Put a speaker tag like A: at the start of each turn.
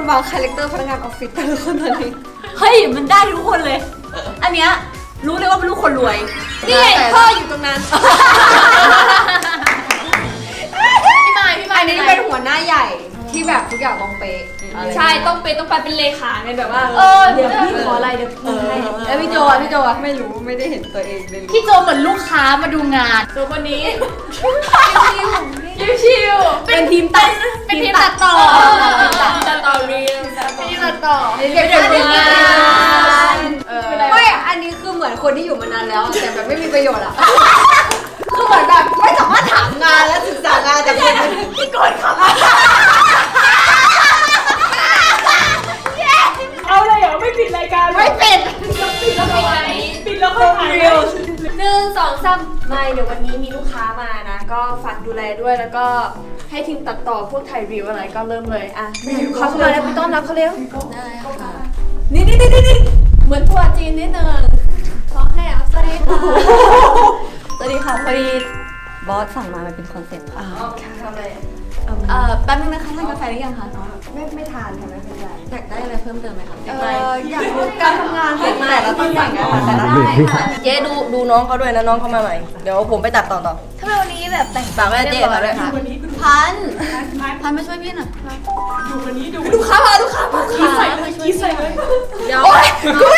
A: มาคาแรคเตอร์พนักงานออฟฟิศแต่ละคนตอนนี้
B: เฮ้ยมันได้ทุกคนเลย อันเนี้ยรู้เลยว่าเป็นลูกคนรวย
A: นี่ไงพ่ออยู่ตรงนั้น
C: พี่ไม้
A: อันนี้เป็นหัวหน้าใหญ่ที่แบบทุกอย่างต้องเป๊ะ
C: ใช่ต้องไปเป็นเลขาไงแบบว่า
B: เดี๋ยวพี่ขออะไรเดี๋ยวพี่ให้
A: แล้วพี่โจไม่รู้ไม่ได้เห็นตัวเองเลย
B: พี่โจเหมือนลูกค้ามาดูงาน
C: ตัวคนนี้ชิว
B: เป็นทีมตัด
C: เป็นทีมตัดต่อตัดต่อรีลทีมตัดต่อ
A: เรียกเป็นงานไม่อันนี้คือเหมือนคนที่อยู่มานานแล้วแต่แบบไม่มีประโยชน์อะคือเหมือนแบบไม่สามารถถามงานและศึกษางานจากคนอื่นที่กดเขา
C: เอาเลยเหรอไม่ปิดรายการ
A: ไม่เป็น
C: ปิดแล้วค่อยถ่าย1 2 3ไม่เดี๋ยววันนี้มีลูกค้ามานะก็ฝากดูแลด้วยแล้วก็ให้ทีมตัดต่อพวกถ่ายรีวิวอะไรก็เริ่มเลยอ่ะลูกค้าเข้ามาแล้วไปต้อนรับเขาเร็ว
B: ได้ค่ะ
C: นี่เหมือนทัวร์จีนนิดนึงขอให้สวัสดีค่ะ
B: สวัสดีค่ะพอดีบอสสั่งมามันเป็นคอนเซ็ปต์ค่ะ
C: ทำอะไร
B: แป๊บนึงนะคะทานกาแฟหรือยังคะ
A: ไม่ทานค่ะไม่เป็นไร
B: อยากได้อะไรเพิ่มเติมไหมคะ
A: อยากรู้การทำงานของแต่ละตำแหน่งอะค่ะแต่ละ
B: ได้ค่ะ
D: เจ๊ดูน้องเขาด้วยนะน้องเขามาใหม่เดี๋ยวผมไปตัดต่อ
B: ทำไมวันนี้แบบแต่ง
D: ฝากไว้เจ๊ฝากไว้
B: ค่ะพันมาช่วยพี่หน่อย
C: ลูกค้ามาลูกค้ามา
B: มาช่วยพี่หน่อย
D: เดี๋ยว
A: กูไม่